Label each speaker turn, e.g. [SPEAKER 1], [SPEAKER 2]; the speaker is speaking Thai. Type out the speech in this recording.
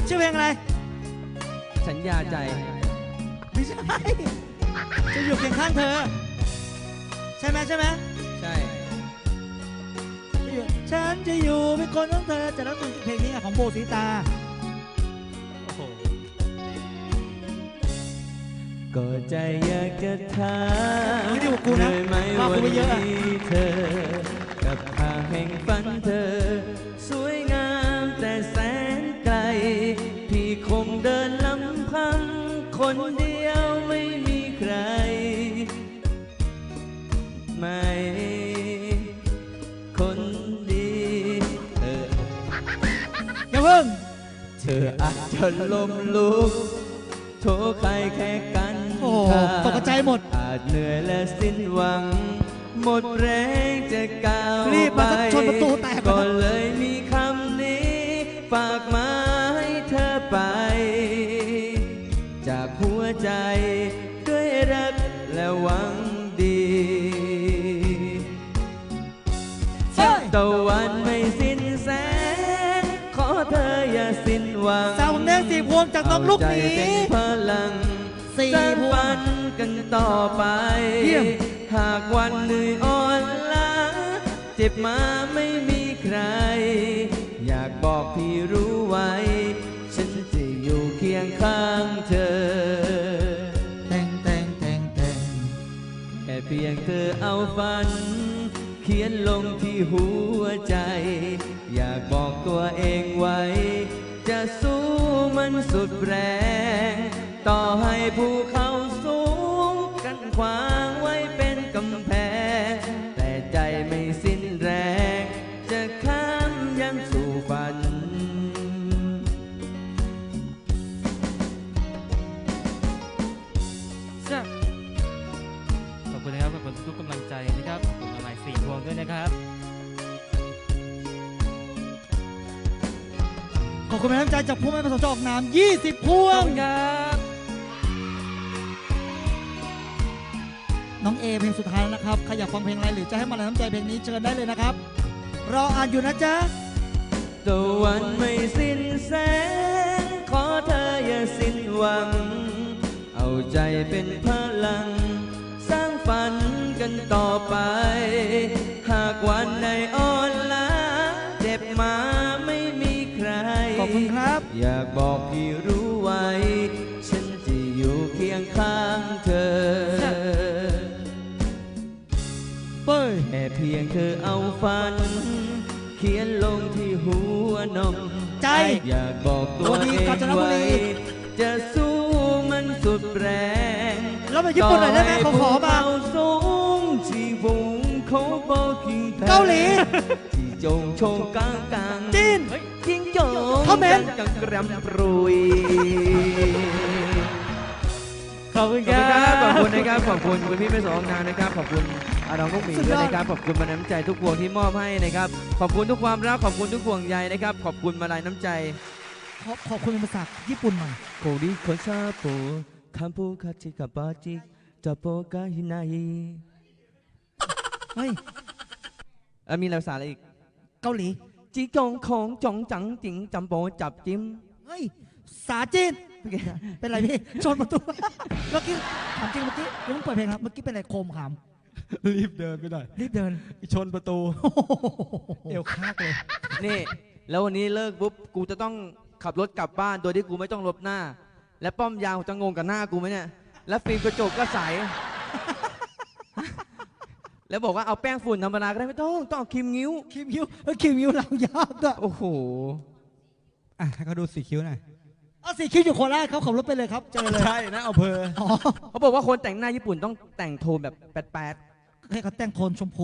[SPEAKER 1] ชื่อเพลงอะไร
[SPEAKER 2] สัญญาใจ
[SPEAKER 1] ไม่ใช่จะอยู่เคียงข้างเธอใช่ไหมใช่ฉันจะอยู่เป็นคนของเธอจะรักคุณเพลงนี้ของโบสีตา
[SPEAKER 2] ก็ใจอยากจะถาม
[SPEAKER 1] ไม่ได้บอกกูนะว่ากูไม่เยอะ
[SPEAKER 2] เธอกับทางแห่งฝันเธอสวยงามแต่แสนไกลพี่คงเดินลำพังคนเดียวไม่มีใครไม่คนดี
[SPEAKER 1] อย่าเพิ่ง
[SPEAKER 2] เธออาจจะล้มลุกโทษใครแค่กัน
[SPEAKER 1] โอ้ตกใจหมด
[SPEAKER 2] อาจเหนื่อยและสิ้นหวังหมดแรงจะก้าว
[SPEAKER 1] ไปชนประตูแตก
[SPEAKER 2] ก็เลยมีคำนี้ฝากมาให้เธอไปจากหัวใจด้วยรักและหวังดีตะวันไม่สิ้นแสงขอเธออย่าสิ้นหวัง
[SPEAKER 1] สาวแดงสีพวงจากน้องลูกหมี
[SPEAKER 2] พลังสร้างฝันกันต่อไปหากวันเหนื่อยอ่อนล้าเจ็บมาไม่มีใครอยากบอกพี่รู้ไว้ฉันจะอยู่เคียงข้างเธอ
[SPEAKER 1] แต่ง
[SPEAKER 2] แค่เพียงเธอเอาฝันเขียนลงที่หัวใจอยากบอกตัวเองไว้จะสู้มันสุดแรงต่อให้ภูเขาสูงกันขวางไว้เป็นกำแพงแต่ใจไม่สิ้นแรงจะข้ามยังสู่ฝัน
[SPEAKER 3] ขอบคุณนะครับขอบคุณทุกกำลังใจนะครับขอบคุณอะไร4 พวงด้วยนะครับ
[SPEAKER 1] ขอบคุณแม่น้ำใจจากผู้ไม่ประสงค์จะออกนาม20 พวง
[SPEAKER 3] ครับ
[SPEAKER 1] น้องเอเพลงสุดท้ายแล้วนะครับใครอยากฟังเพลงอะไรหรือจะให้มาแรงน้ำใจเพลงนี้เชิญได้เลยนะครับรออ่านอยู่นะจ๊ะ
[SPEAKER 2] ตะวันไม่สิ้นแสงขอเธออย่าสิ้นหวังเอาใจเป็นพลังสร้างฝันกันต่อไปหากวันใดอ่อนล้าเจ็บมาไม่มีใคร
[SPEAKER 1] ขอบคุณครับ
[SPEAKER 2] อยากบอกพี่รู้ไว้ฉันจะอยู่เคียงข้างเธอแค่เพียงเธอเอาฝันเขียนลงที่หัวนม
[SPEAKER 1] ใจ
[SPEAKER 2] อยากบอกตัวเองไว้จะสู้มันสุดแรง
[SPEAKER 1] แล้วไปญี่ปุ่นหน่อยได้ไหมขอมา
[SPEAKER 2] สูงที่วงเขาบอกกิน
[SPEAKER 1] เกาหลี
[SPEAKER 2] ที่จงโชงกลาง
[SPEAKER 1] จีน
[SPEAKER 2] จิงโจ้
[SPEAKER 1] เขมร
[SPEAKER 2] กังกรำปรุย
[SPEAKER 1] ขอบคุณครับ
[SPEAKER 2] ขอบคุณนะครับขอบคุณคุณพี่ไม่สองนานนะครับขอบคุณน้องลูกหมีด้วยนะครับขอบคุณมาน้ำใจทุกพวงที่มอบให้นะครับขอบคุณทุกความรักขอบคุณทุกห่วงใยนะครับขอบคุณมาลายน้ำใจ
[SPEAKER 1] ขอบคุณเป็นภาษาญี่ปุ่นหน่อย
[SPEAKER 2] โคริโคซาโปคัมปูคาจิกาบาจิจับโปกาฮินาฮิ
[SPEAKER 1] เฮ้ย
[SPEAKER 2] มีภาษาอะไรอีก
[SPEAKER 1] เกาหลี
[SPEAKER 2] จีจงของจงจังจิงจำโปจับจิ้ม
[SPEAKER 1] เฮ้ยสาจีนเป็นไรพี่ชนประตูเมื่อกี้ถามจริงเมื่อกี้ยังเปิดเพลงครับเมื่อกี้เป็นอะไรโคมขาม
[SPEAKER 4] รีบเดินไปหน่อย
[SPEAKER 1] รีบเดิน
[SPEAKER 4] ชนประตูเอวคากเลย
[SPEAKER 2] นี่แล้ววันนี้เลิกปุ๊บกูจะต้องขับรถกลับบ้านโดยที่กูไม่ต้องลบหน้าและป้อมยาวจะงงกับหน้ากูไหมเนี่ยแล้วฟิล์มกระจกก็ใสแล้วบอกว่าเอาแป้งฝุ่นธรรมดาก็ได้ไม่ต้องเอาครีมงิ้ว
[SPEAKER 1] ครีมงิ้วเรายากอ่ะ
[SPEAKER 2] โอ้โห
[SPEAKER 4] ให้เขาดูสีคิ้วหน่อย
[SPEAKER 1] เอาสีคิ้วอยู่โคราชเขาขับรถไปเลยครับเจอเลย
[SPEAKER 4] ใช่นะเอาเพอ
[SPEAKER 2] เขาบอกว่าคนแต่งหน้าญี่ปุ่นต้องแต่งโทนแบบแป๊ด
[SPEAKER 1] ให้เขาแต่งโทนชมพู